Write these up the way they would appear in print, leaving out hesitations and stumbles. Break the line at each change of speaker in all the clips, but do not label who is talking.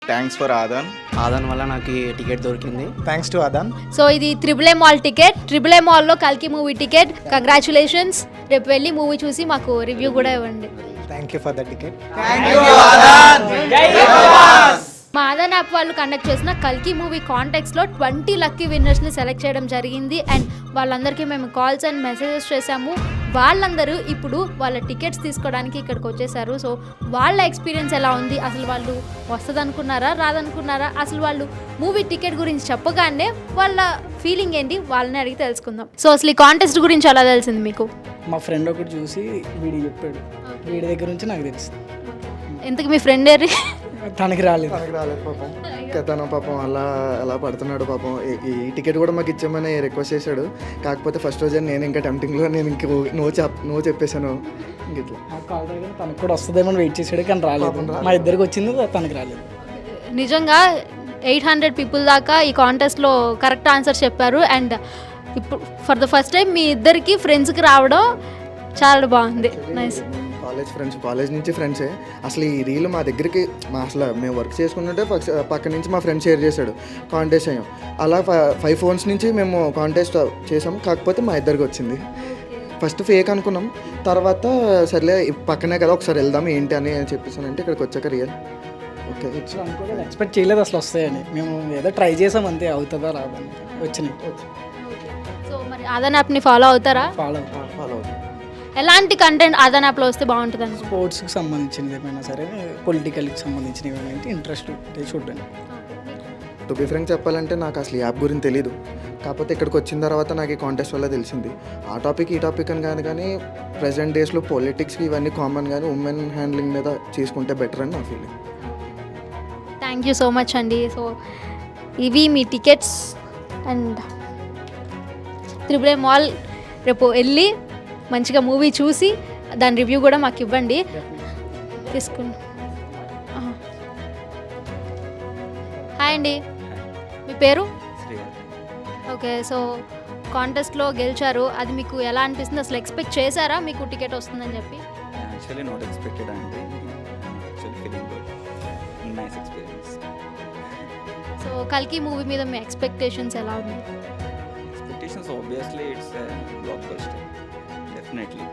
Thanks for ఆదాన్.
ఆదాన్ వల్ల నాకు ఈ టికెట్ దొరికింది.
Thanks to Aadan.
సో ఇది త్రిబుల్ మాల్ టికెట్, త్రిబుల్ మాల్లో కల్కి మూవీ టికెట్. కంగ్రాచులేషన్స్. రేపు వెళ్ళి మూవీ చూసి మాకు రివ్యూ కూడా ఇవ్వండి.
Thank you for the ticket.
మా ఆదాన్ యాప్ వాళ్ళు కండక్ట్ చేసిన కల్కి మూవీ కాంటెక్స్లో 20 లక్కీ విన్నర్స్ని సెలెక్ట్ చేయడం జరిగింది. అండ్ వాళ్ళందరికీ మేము కాల్స్ అండ్ మెసేజెస్ చేసాము. వాళ్ళందరూ ఇప్పుడు వాళ్ళ టికెట్స్ తీసుకోవడానికి ఇక్కడికి వచ్చేసారు. సో వాళ్ళ ఎక్స్పీరియన్స్ ఎలా ఉంది, అసలు వాళ్ళు వస్తుందనుకున్నారా రాదనుకున్నారా, అసలు వాళ్ళు మూవీ టికెట్ గురించి చెప్పగానే వాళ్ళ ఫీలింగ్ ఏంటి వాళ్ళని అడిగి తెలుసుకుందాం. సో అసలు ఈ కాంటెస్ట్ గురించి ఎలా తెలిసింది మీకు?
మా ఫ్రెండ్ ఒకటి చూసి వీడి చెప్పాడు, వీడి దగ్గర నుంచి నాకు తెలుసు.
ఎందుకు మీ ఫ్రెండ్ ఏరి?
తనకి రాలేదు
పాపం. తను పాపం అలా పడుతున్నాడు పాపం. ఈ టికెట్ కూడా మాకు ఇచ్చామని రిక్వెస్ట్ చేశాడు. కాకపోతే ఫస్ట్ రోజే నేను ఇంకా టెంప్టింగ్లో నేను ఇంక నో చెప్పేశాను. ఇంక ఇట్లా
కాల్ దగ్గర తనకు కూడా వస్తుందేమో వెయిట్ చేసాడు, కానీ రాలేదు. మా ఇద్దరికి వచ్చింది, తనకి రాలేదు.
నిజంగా 800 పీపుల్ దాకా ఈ కాంటెస్ట్లో కరెక్ట్ ఆన్సర్ చెప్పారు. అండ్ ఇప్పుడు ఫర్ ద ఫస్ట్ టైం మీ ఇద్దరికి ఫ్రెండ్స్కి రావడం చాలా బాగుంది. నైస్.
కాలేజ్ నుంచి ఫ్రెండ్సే. అసలు ఈ రీల్ మా దగ్గరికి అసలు మేము వర్క్ చేసుకుంటుంటే పక్క నుంచి మా ఫ్రెండ్ షేర్ చేశాడు. కాంటెస్ట్ అయ్యాం. అలా 5 ఫోన్స్ నుంచి మేము కాంటెస్ట్ చేసాము. కాకపోతే మా ఇద్దరికి వచ్చింది. ఫస్ట్ ఫేక్ అనుకున్నాం, తర్వాత సర్లే పక్కనే కదా ఒకసారి వెళ్దాం ఏంటి అని చెప్పేసానంటే ఇక్కడికి వచ్చాక రియల్. ఓకే,
అనుకోలేదు, ఎక్స్పెక్ట్ చేయలేదు అసలు వస్తాయని. మేము ఏదో ట్రై చేసాం అంతే, అవుతుందా రాదని. వచ్చినాయి.
సో మరి ఆదాన్ యాప్ని ఫాలో అవుతారా?
ఫాలో
అవుతుంది.
ఎలాంటి కంటెంట్ ఆదాన్ యాప్లో వస్తే బాగుంటుంది అనుకో?
స్పోర్ట్స్కి సంబంధించినది ఏమైనా సరే, పొలిటికల్కి సంబంధించినవి ఏమైనా ఇంట్రెస్ట్ చూడండి.
టు బి ఫ్రాంక్ చెప్పాలంటే నాకు అసలు ఈ యాప్ గురించి తెలీదు. కాకపోతే ఇక్కడికి వచ్చిన తర్వాత నాకు ఈ కాంటెస్ట్ వల్ల తెలిసింది. ఆ టాపిక్ ఈ టాపిక్ అని కాదు, కానీ ప్రజెంట్ డేస్లో పొలిటిక్స్కి ఇవన్నీ కామన్, కానీ ఉమెన్ హ్యాండ్లింగ్ మీద చేసుకుంటే బెటర్ అని నా feeling.
Thank you so much అండి. సో ఇవి మీ టికెట్స్. అండ్ త్రిబుల్ మాల్ రేపు వెళ్ళి మంచిగా మూవీ చూసి దాని రివ్యూ కూడా మాకు ఇవ్వండి. తీసుకుని. హాయ్ అండి, మీ పేరు? ఓకే, సో కాంటెస్ట్లో గెలిచారు. అది మీకు ఎలా అనిపిస్తుంది? అసలు ఎక్స్పెక్ట్ చేశారా మీకు టికెట్ వస్తుందని చెప్పి?
యాక్చువల్లీ నాట్ ఎక్స్పెక్టెడ్ అండి. Actually feeling good, nice experience.
So కల్కి మూవీ మీద మీ ఎక్స్పెక్టేషన్స్ ఎలా ఉన్నాయి?
Expectations obviously it's blockbuster, definitely.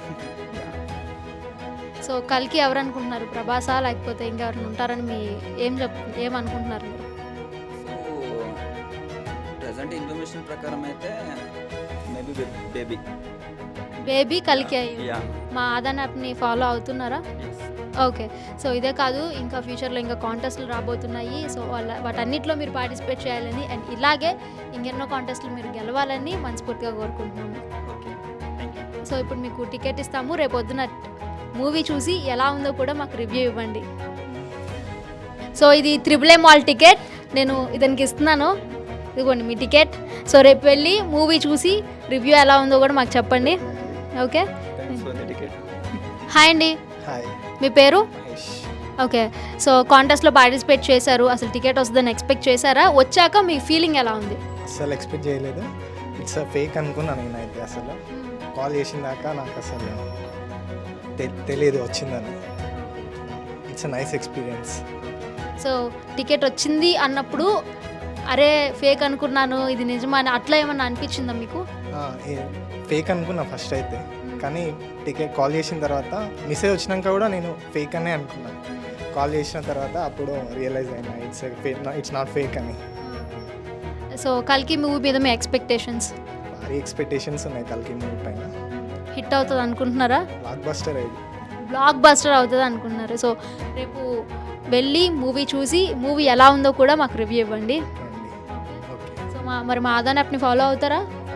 So కల్కి ఎవరు అనుకుంటున్నారు? ప్రభాసా లేకపోతే ఇంకెవరైనా ఉంటారని మీ ఏమనుకుంటున్నారు మీరు?
సో ప్రజెంట్ ఇన్ఫర్మేషన్ ప్రకారం అయితే మేబీ బేబీ
కల్కి అయ్యి.
యా.
మా ఆదాన్ యాప్ని ఫాలో అవుతున్నారా? ఓకే, సో ఇదే కాదు, ఇంకా ఫ్యూచర్లో ఇంకా కాంటెస్ట్లు రాబోతున్నాయి. సో వాటన్నిటిలో మీరు పార్టిసిపేట్ చేయాలని అండ్ ఇలాగే ఇంకెన్నో కాంటెస్ట్లు మీరు గెలవాలని మనస్ఫూర్తిగా కోరుకుంటున్నాము. సో ఇప్పుడు మీకు టికెట్ ఇస్తాము. రేపు పొద్దున మూవీ చూసి ఎలా ఉందో కూడా మాకు రివ్యూ ఇవ్వండి. సో ఇది త్రిబుల్ మాల్ టికెట్, నేను ఇతనికి ఇస్తున్నాను. ఇదిగోండి మీ టికెట్. సో రేపు వెళ్ళి మూవీ చూసి రివ్యూ ఎలా ఉందో కూడా మాకు చెప్పండి. ఓకే, హాయ్ అండి.
హాయ్,
మీ పేరు?
మహేష్.
ఓకే, సో కాంటెస్ట్లో పార్టిసిపేట్ చేశారు. అసలు టికెట్ వస్తుందని ఎక్స్పెక్ట్ చేశారా? వచ్చాక మీ ఫీలింగ్ ఎలా ఉంది?
అసలు ఎక్స్పెక్ట్ చేయలేదు. ఇట్స్ ఫేక్ అనుకున్నాను నేనైతే. అసలు కాల్ చేసిన దాకా నాకు అసలు తెలియదు వచ్చిందని. It's nice experience.
So ticket వచ్చింది అన్నప్పుడు అరే ఫేక్ అనుకున్నాను, ఇది నిజమా అని అట్లా ఏమన్నా అనిపించిందా మీకు?
ఫేక్ అనుకున్నా ఫస్ట్ అయితే, కానీ టికెట్ కాల్ చేసిన తర్వాత మెసేజ్ వచ్చినాక కూడా నేను ఫేక్ అనే అనుకున్నాను. కాల్ చేసిన తర్వాత అప్పుడు రియలైజ్ అయినా ఇట్స్ నాట్ ఫేక్ అని.
సో కల్కి మూవీ మీద మీ ఎక్స్పెక్టేషన్స్?
భారీ ఎక్స్పెక్టేషన్స్ ఉన్నాయి కల్కి మూవీ పైన.
హిట్ అవుతుంది అనుకుంటున్నారా?
బ్లాక్ బస్టర్ అయింది.
బ్లాక్ బస్టర్ అవుతుంది అనుకుంటున్నారు. సో రేపు వెళ్ళి మూవీ చూసి మూవీ ఎలా ఉందో కూడా మాకు రివ్యూ ఇవ్వండి.
ఓకే,
సో మరి మా ఆదాన్ యాప్ని ఫాలో అవుతారా?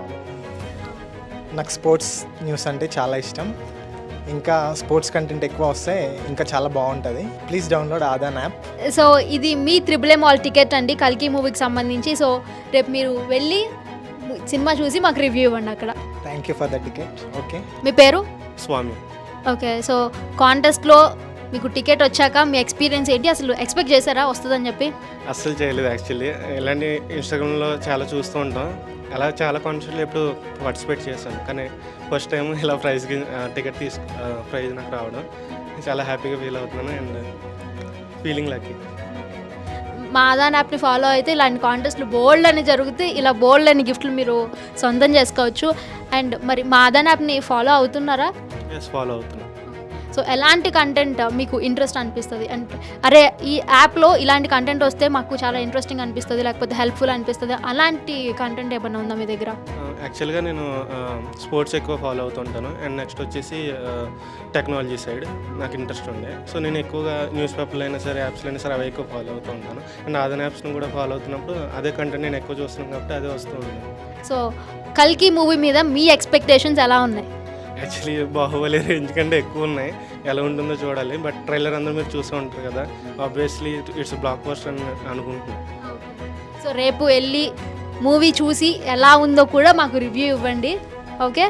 నాకు స్పోర్ట్స్ న్యూస్ అంటే చాలా ఇష్టం. ఇంకా స్పోర్ట్స్ కంటెంట్ ఎక్కువ వస్తే ఇంకా చాలా బాగుంటుంది. Please download Aadan app.
So ఇది మీ త్రిబుల్ మాల్ టికెట్ అండి కల్కి మూవీకి సంబంధించి. సో రేపు మీరు వెళ్ళి సినిమా చూసి మాకు రివ్యూ ఇవ్వండి అక్కడ.
Thank you for the ticket. Okay,
మీ పేరు?
స్వామి.
ఓకే, సో కాంటెస్ట్లో మీకు టికెట్ వచ్చాక మీ ఎక్స్పీరియన్స్ ఏంటి? అసలు ఎక్స్పెక్ట్ చేశారా వస్తుందని చెప్పి?
అస్సలు చేయలేదు యాక్చువల్లీ. ఇలాంటి ఇన్స్టాగ్రామ్లో చాలా చూస్తూ ఉంటాం, అలా చాలా కాన్సర్ట్లు ఎప్పుడు పార్టిసిపేట్ చేశాను, కానీ ఫస్ట్ టైం ఇలా టికెట్ ప్రైజ్ నాకు రావడం చాలా హ్యాపీగా ఫీల్ అవుతున్నాను అండ్ ఫీలింగ్ లక్కీ.
మా ఆదాన్ యాప్ని ఫాలో అయితే ఇలాంటి కాంటెస్ట్లు బోల్డ్ అని జరుగుతాయి, ఇలా బోల్డ్ అని గిఫ్ట్లు మీరు సొంతం చేసుకోవచ్చు. అండ్ మరి మా ఆదాన్ యాప్ని ఫాలో అవుతున్నారా?
ఎస్, ఫాలో అవుతున్నాను.
సో ఎలాంటి కంటెంట్ మీకు ఇంట్రెస్ట్ అనిపిస్తుంది అంటే అరే ఈ యాప్లో ఇలాంటి కంటెంట్ వస్తే మాకు చాలా ఇంట్రెస్టింగ్ అనిపిస్తుంది, లేకపోతే హెల్ప్ఫుల్ అనిపిస్తుంది, అలాంటి కంటెంట్ ఏమైనా ఉందా మీ దగ్గర?
యాక్చువల్గా నేను స్పోర్ట్స్ ఎక్కువ ఫాలో అవుతుంటాను. అండ్ నెక్స్ట్ వచ్చేసి టెక్నాలజీ సైడ్ నాకు ఇంట్రెస్ట్ ఉండే. సో నేను ఎక్కువగా న్యూస్ పేపర్లు అయినా సరే, యాప్స్లో అయినా సరే అవి ఎక్కువ ఫాలో అవుతూ ఉంటాను. అండ్ ఆదాన్ యాప్స్ను కూడా ఫాలో అవుతున్నప్పుడు అదే కంటెంట్ నేను ఎక్కువ చూస్తున్నాను కాబట్టి అదే వస్తూ ఉంటుంది.
సో కల్కి మూవీ మీద మీ ఎక్స్పెక్టేషన్స్ ఎలా ఉన్నాయి?
యాక్చువల్లీ బాహుబలి రేంజ్ కంటే ఎక్కువ ఉన్నాయి, ఎలా ఉంటుందో చూడాలి. బట్ ట్రైలర్ అందరూ మీరు చూస్తూ ఉంటారు కదా, ఆబ్వియస్లీ ఇట్స్ బ్లాక్ బస్టర్ అని అనుకుంటున్నాను.
సో రేపు వెళ్ళి మూవీ చూసి ఎలా ఉందో కూడా మాకు రివ్యూ ఇవ్వండి. ఓకే,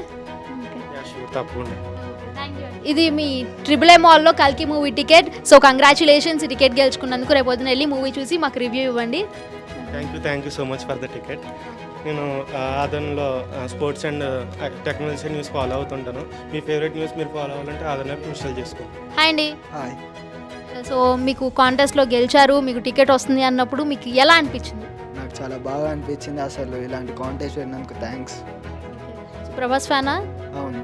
తప్పకుండా.
ఇది మీ ట్రిపుల్ మాల్లో కల్కి movie ticket. So congratulations, ticket గెలుచుకున్నందుకు. రేపు పొద్దున వెళ్ళి మూవీ చూసి మాకు రివ్యూ ఇవ్వండి.
Thank you so much for the ticket. నేను ఆదన్లో sports and technology news follow అవుతుంటాను. మీ ఫేవరెట్ న్యూస్ మీరు ఫాలో అవ్వాలంటే ఆదన్ యాప్ ఇన్స్టాల్ చేసుకోండి.
హాయ్ అండి.
హాయ్.
సో మీకు కాంటెస్ట్లో గెలిచారు, మీకు టికెట్ వస్తుంది అన్నప్పుడు మీకు ఎలా అనిపించింది?
నాకు చాలా బాగా అనిపించింది. అసలు ఇలాంటి కాంటెస్ట్ పెట్టినందుకు థ్యాంక్స్.
ప్రభాస్ ఫ్యానా?
అవును,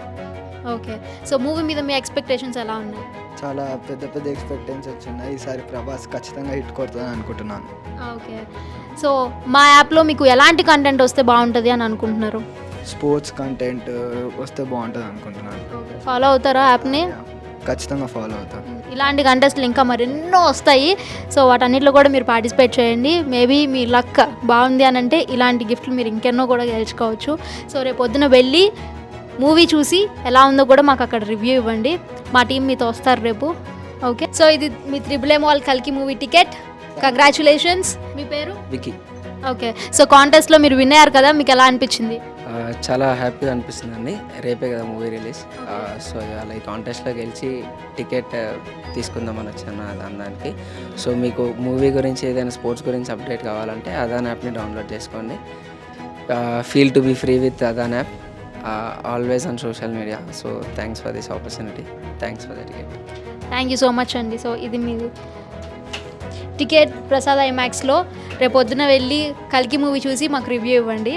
ఓకే. సో మూవీ మీద మీ ఎక్స్పెక్టేషన్స్ ఎలా ఉన్నాయి?
చాలా పెద్ద పెద్ద ఎక్స్పెక్టేషన్స్ ఉన్నాయి. ఈసారి ప్రభాస్ ఖచ్చితంగా హిట్ కొడుతుందని అనుకుంటున్నాను.
ఓకే. సో మా యాప్లో మీకు ఎలాంటి కంటెంట్ వస్తే బాగుంటుంది అని అనుకుంటున్నారు?
స్పోర్ట్స్ కంటెంట్ వస్తే బాగుంటుంది అనుకుంటున్నాను.
ఫాలో అవుతారా యాప్ని?
ఖచ్చితంగా ఫాలో అవుతాను.
ఇలాంటి కంటెస్ట్లు ఇంకా మరెన్నో వస్తాయి. సో వాటన్నిటిలో కూడా మీరు పార్టిసిపేట్ చేయండి. మేబీ మీ లక్ బాగుంది అని అంటే ఇలాంటి గిఫ్ట్లు మీరు ఇంకెన్నో కూడా గెలుచుకోవచ్చు. సో రేపు పొద్దున వెళ్ళి మూవీ చూసి ఎలా ఉందో కూడా మాకు అక్కడ రివ్యూ ఇవ్వండి. మా టీం మీతో వస్తారు రేపు. ఓకే. సో ఇది మీ త్రిబుల్ మాల్ కల్కి మూవీ టికెట్. కంగ్రాచులేషన్స్. మీ పేరు?
వికీ.
ఓకే. సో కాంటెస్ట్లో మీరు విన్ అయ్యారు కదా, మీకు ఎలా అనిపించింది?
చాలా హ్యాపీగా అనిపిస్తుందండి. రేపే కదా మూవీ రిలీజ్. సో ఇవాళ ఈ కాంటెస్ట్లో గెలిచి టికెట్ తీసుకుందామని వచ్చాను దానికి. సో మీకు మూవీ గురించి ఏదైనా స్పోర్ట్స్ గురించి అప్డేట్ కావాలంటే అదాన్ యాప్ని డౌన్లోడ్ చేసుకోండి. Feel to be free with Aadan app, always on social media. So thanks for this opportunity, thanks for the ticket.
Thank you so much అండి. సో ఇది మీ టికెట్ ప్రసాద్ ఐమాక్స్లో. రేపు పొద్దున వెళ్ళి కల్కి మూవీ చూసి మాకు రివ్యూ ఇవ్వండి.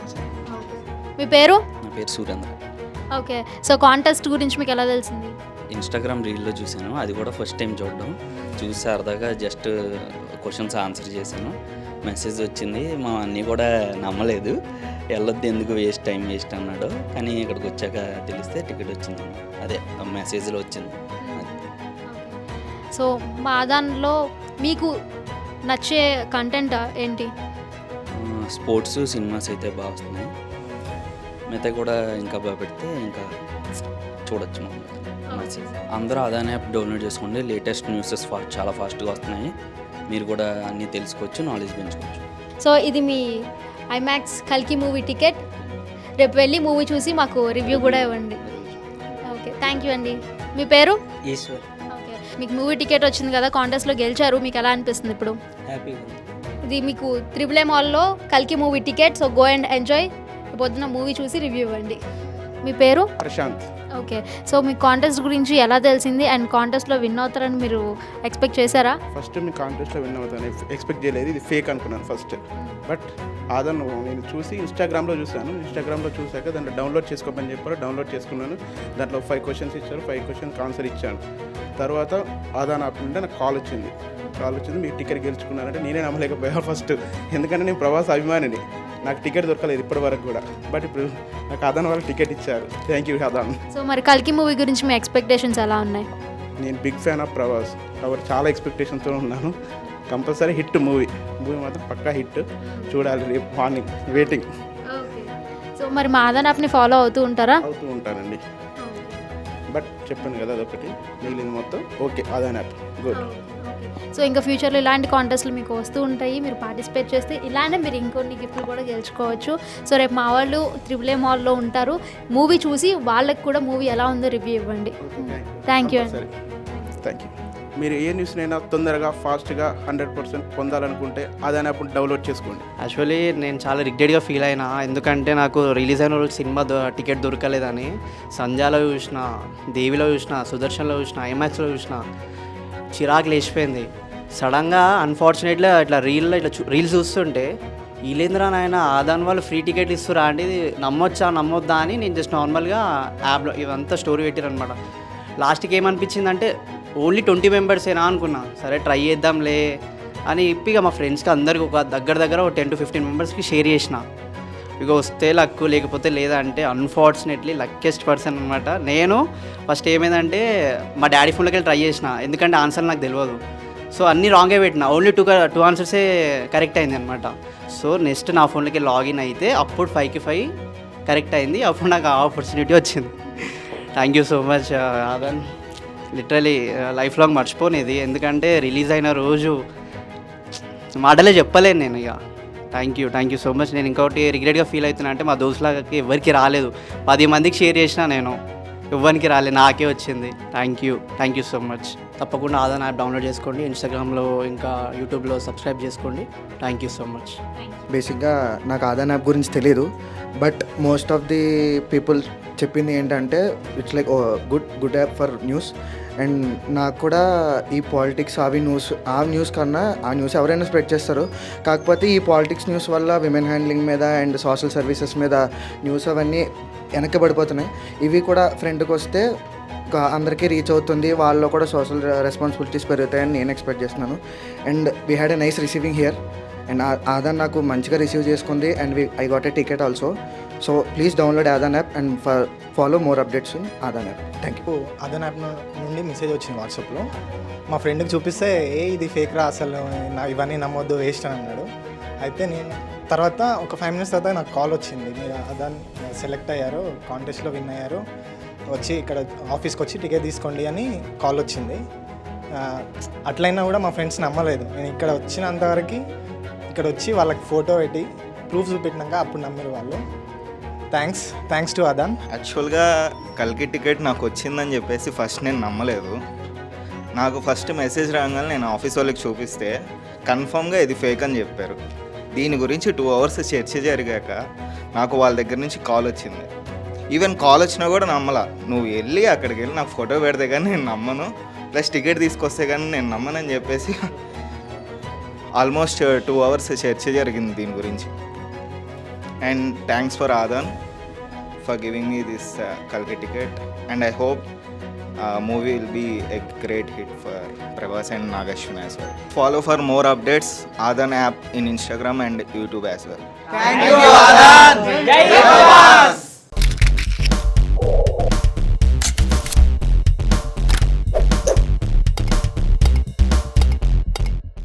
మీ పేరు?
నా పేరు సురేంద్ర.
ఓకే. సో కాంటెస్ట్ గురించి మీకు ఎలా తెలిసింది?
ఇన్స్టాగ్రామ్ రీల్లో చూశాను, అది కూడా ఫస్ట్ టైం చూడడం. చూసి సరదాగా జస్ట్ క్వశ్చన్స్ ఆన్సర్ చేశాను. మెసేజ్ వచ్చింది. మా అన్నీ కూడా నమ్మలేదు, వెళ్ళొద్దు ఎందుకు టైం వేస్ట్ అన్నాడు. కానీ ఇక్కడికి వచ్చాక తెలిస్తే టికెట్ వచ్చింది, అదే మెసేజ్లో వచ్చింది.
సో మా దానిలో మీకు నచ్చే కంటెంట్ ఏంటి?
స్పోర్ట్స్ సినిమాస్ అయితే బాగా వస్తున్నాయి. మిగతా కూడా ఇంకా బాగా పెడితే ఇంకా చూడొచ్చు. అందరూ అదాన్ యాప్ డౌన్లోడ్ చేసుకోండి. లేటెస్ట్ న్యూసెస్ చాలా ఫాస్ట్గా వస్తున్నాయి. మీరు కూడా అన్నీ తెలుసుకోవచ్చు, నాలెడ్జ్ పెంచుకోవచ్చు.
సో ఇది మీ ఐమాక్స్ కల్కి మూవీ టికెట్. రేపు వెళ్ళి మూవీ చూసి మాకు రివ్యూ కూడా ఇవ్వండి. ఓకే, థ్యాంక్ యూ అండి. మీ పేరు?
ఈశ్వర్.
ఓకే. మీకు మూవీ టికెట్ వచ్చింది కదా, కాంటెస్ట్లో గెలిచారు, మీకు ఎలా అనిపిస్తుంది ఇప్పుడు?
హ్యాపీగా.
ఇది మీకు త్రిబుల్ మాల్లో కల్కి movie ticket. So go and enjoy. పొద్దున్న మూవీ చూసి రివ్యూ ఇవ్వండి. మీ పేరు?
ప్రశాంత్.
ఓకే. సో మీ కాంటెస్ట్ గురించి ఎలా తెలిసింది అండ్ కాంటెస్ట్లో విన్ అవుతారని మీరు ఎక్స్పెక్ట్ చేశారా?
ఫస్ట్ మీ కాంటెస్ట్లో విన్ అవుతాను ఎక్స్పెక్ట్ చేయలేదు, ఇది ఫేక్ అనుకున్నాను ఫస్ట్. బట్ ఆదాన్ నేను చూసి ఇన్స్టాగ్రామ్లో చూశాను. ఇన్స్టాగ్రామ్లో చూశాక దాంట్లో డౌన్లోడ్ చేసుకోమని చెప్పారు, డౌన్లోడ్ చేసుకున్నాను. దాంట్లో 5 క్వశ్చన్స్ ఇచ్చారు, 5 క్వశ్చన్కి ఆన్సర్ ఇచ్చాను. తర్వాత ఆదాన్ యాప్ నుండి నాకు కాల్ వచ్చింది. మీరు టికెట్ గెలుచుకున్నారంటే నేనే నమ్మలేకపోయా ఫస్ట్. ఎందుకంటే నేను ప్రభాస్ అభిమానిని, నాకు టికెట్ దొరకలేదు ఇప్పటి వరకు కూడా. బట్ ఇప్పుడు నాకు ఆదాన్ వాళ్ళు టికెట్ ఇచ్చారు. Thank you ఆదాన్.
సో మరి కల్కి మూవీ గురించి మీ ఎక్స్పెక్టేషన్స్ ఎలా ఉన్నాయి?
నేను బిగ్ ఫ్యాన్ ఆఫ్ ప్రభాస్ కాబట్టి చాలా ఎక్స్పెక్టేషన్తో ఉన్నాను. కంపల్సరీ హిట్ మూవీ మాత్రం పక్కా హిట్. చూడాలి రేపు మార్నింగ్, వెయిటింగ్.
సో మరి మా ఆదాన్ యాప్ని ఫాలో అవుతూ ఉంటారా?
అవుతూ ఉంటానండి. బట్ చెప్పాను కదా అదొకటి, మిగిలింది మొత్తం okay. Aadan app good.
So ఇంకా ఫ్యూచర్లో ఇలాంటి కాంటెస్ట్లు మీకు వస్తూ ఉంటాయి, మీరు పార్టిసిపేట్ చేస్తే ఇలానే మీరు ఇంకొన్ని గిఫ్ట్లు కూడా గెలుచుకోవచ్చు. సో రేపు మా వాళ్ళు త్రిబుల్ మాల్లో ఉంటారు, మూవీ చూసి వాళ్ళకి కూడా మూవీ ఎలా ఉందో రివ్యూ ఇవ్వండి. థ్యాంక్ యూ అండి.
Thank you. మీరు ఏ న్యూస్నైనా తొందరగా ఫాస్ట్గా 100% పొందాలనుకుంటే ఆదాన్ యాప్ డౌన్లోడ్ చేసుకోండి.
యాక్చువల్లీ నేను చాలా రిగ్రెట్గా ఫీల్ అయినా, ఎందుకంటే నాకు రిలీజ్ అయిన రోజు సినిమా టికెట్ దొరకలేదని. సంధ్యాలో చూసిన, దేవిలో చూసిన, సుదర్శన్లో చూసిన, ఐమాక్స్లో చూసిన, చిరాకు లేచిపోయింది. సడన్గా అన్ఫార్చునేట్లీ ఇట్లా రీల్స్ చూస్తుంటే వీళ్ళేంద్రా నాయన ఆదాన్ వాళ్ళు ఫ్రీ టికెట్ ఇస్తురా అంటే ఇది నమ్మొద్దా అని నేను జస్ట్ నార్మల్గా యాప్లో ఇవంతా స్టోరీ పెట్టారు అనమాట. లాస్ట్కి ఏమనిపించిందంటే ఓన్లీ 20 మెంబర్సేనా అనుకున్నా. సరే ట్రై చేద్దాంలే అని ఇక మా ఫ్రెండ్స్కి అందరికి ఒక దగ్గర 10 to 15 మెంబర్స్కి షేర్ చేసిన. ఇక వస్తే లక్కు లేకపోతే లేదా అంటే అన్ఫార్చునేట్లీ లక్కెస్ట్ పర్సన్ అనమాట. నేను ఫస్ట్ ఏమైందంటే మా డాడీ ఫోన్లోకి వెళ్ళి ట్రై చేసిన, ఎందుకంటే ఆన్సర్ నాకు తెలియదు. సో అన్నీ రాంగే పెట్టిన, ఓన్లీ టూ ఆన్సర్సే కరెక్ట్ అయింది అనమాట. సో నెక్స్ట్ నా ఫోన్లోకి లాగిన్ అయితే అప్పుడు 5కి 5 కరెక్ట్ అయింది. అప్పుడు నాకు ఆ ఆపర్చునిటీ వచ్చింది. Thank you so much Aadan. Literally life long మర్చిపోనేది, ఎందుకంటే రిలీజ్ అయిన రోజు మాటలే చెప్పలేను నేను. ఇక థ్యాంక్ యూ సో మచ్. నేను ఇంకోటి రిగ్రెట్గా ఫీల్ అవుతున్నా అంటే మా దోస్తులకి ఎవరికి రాలేదు. 10 మందికి షేర్ చేసిన నేను, ఎవరికి రాలేదు, నాకే వచ్చింది. Thank you so much. తప్పకుండా ఆదాన్ యాప్ డౌన్లోడ్ చేసుకోండి, ఇన్స్టాగ్రామ్లో ఇంకా యూట్యూబ్లో సబ్స్క్రైబ్ చేసుకోండి. Thank you so much.
బేసిక్గా నాకు ఆదాన్ యాప్ గురించి తెలియదు, but most of the people చెప్పింది ఏంటంటే it's like good app for news. And నాకు కూడా ఈ పాలిటిక్స్ ఆ న్యూస్ కన్నా ఆ న్యూస్ ఎవరైనా స్ప్రెడ్ చేస్తారు. కాకపోతే ఈ పాలిటిక్స్ న్యూస్ వల్ల విమెన్ హ్యాండ్లింగ్ మీద అండ్ సోషల్ సర్వీసెస్ మీద న్యూస్ అవన్నీ వెనక్కిపడిపోతున్నాయి. ఇవి కూడా ఫ్రంట్కి వస్తే అందరికీ రీచ్ అవుతుంది, వాళ్ళలో కూడా సోషల్ రెస్పాన్సిబిలిటీస్ పెరుగుతాయని నేను ఎక్స్పెక్ట్ చేస్తున్నాను. And we had a nice receiving here. And Aadan నాకు మంచిగా రిసీవ్ చేసుకుంది and I got a ticket also. So please download Aadan app and follow more updates in Aadan app. Thank you.
Aadan app నుండి message వచ్చింది వాట్సాప్లో. మా ఫ్రెండ్కి చూపిస్తే ఇది ఫేక్ రా, అసలు ఇవన్నీ నమ్మొద్దు, వేస్ట్ అని అన్నాడు. అయితే నేను తర్వాత ఒక 5 minutes తర్వాత నాకు కాల్ వచ్చింది, మీరు ఆదాన్ సెలెక్ట్ అయ్యారు, కాంటెస్ట్లో విన్ అయ్యారు, వచ్చి ఇక్కడ ఆఫీస్కి వచ్చి టికెట్ తీసుకోండి అని కాల్ వచ్చింది. అట్లయినా కూడా మా ఫ్రెండ్స్ నమ్మలేదు. నేను ఇక్కడ వచ్చినంతవరకు ఇక్కడ వచ్చి వాళ్ళకి ఫోటో పెట్టి ప్రూఫ్ చూపెట్టినాక అప్పుడు నమ్మారు వాళ్ళు. Thanks to Aadan.
యాక్చువల్గా కల్కి టికెట్ నాకు వచ్చిందని చెప్పేసి ఫస్ట్ నేను నమ్మలేదు. నాకు ఫస్ట్ మెసేజ్ రాగానే నేను ఆఫీస్ వాళ్ళకి చూపిస్తే కన్ఫామ్గా ఇది ఫేక్ అని చెప్పారు. దీని గురించి 2 hours చర్చ జరిగాక నాకు వాళ్ళ దగ్గర నుంచి కాల్ వచ్చింది. ఈవెన్ కాల్ వచ్చినా కూడా నమ్మలా. నువ్వు వెళ్ళి అక్కడికి వెళ్ళి నాకు ఫోటో పెడితే కానీ నేను నమ్మను, ప్లస్ టికెట్ తీసుకొస్తే కానీ నేను నమ్మనని చెప్పేసి ఆల్మోస్ట్ 2 hours చర్చ జరిగింది దీని గురించి. And thanks for Aadan for giving me this కల్కి ticket. And I hope movie will be a great hit for Prabhas and Nagashwin as well. Follow for more updates Adan app in Instagram and YouTube as well.
Thank you Adan. Jai Prabhas.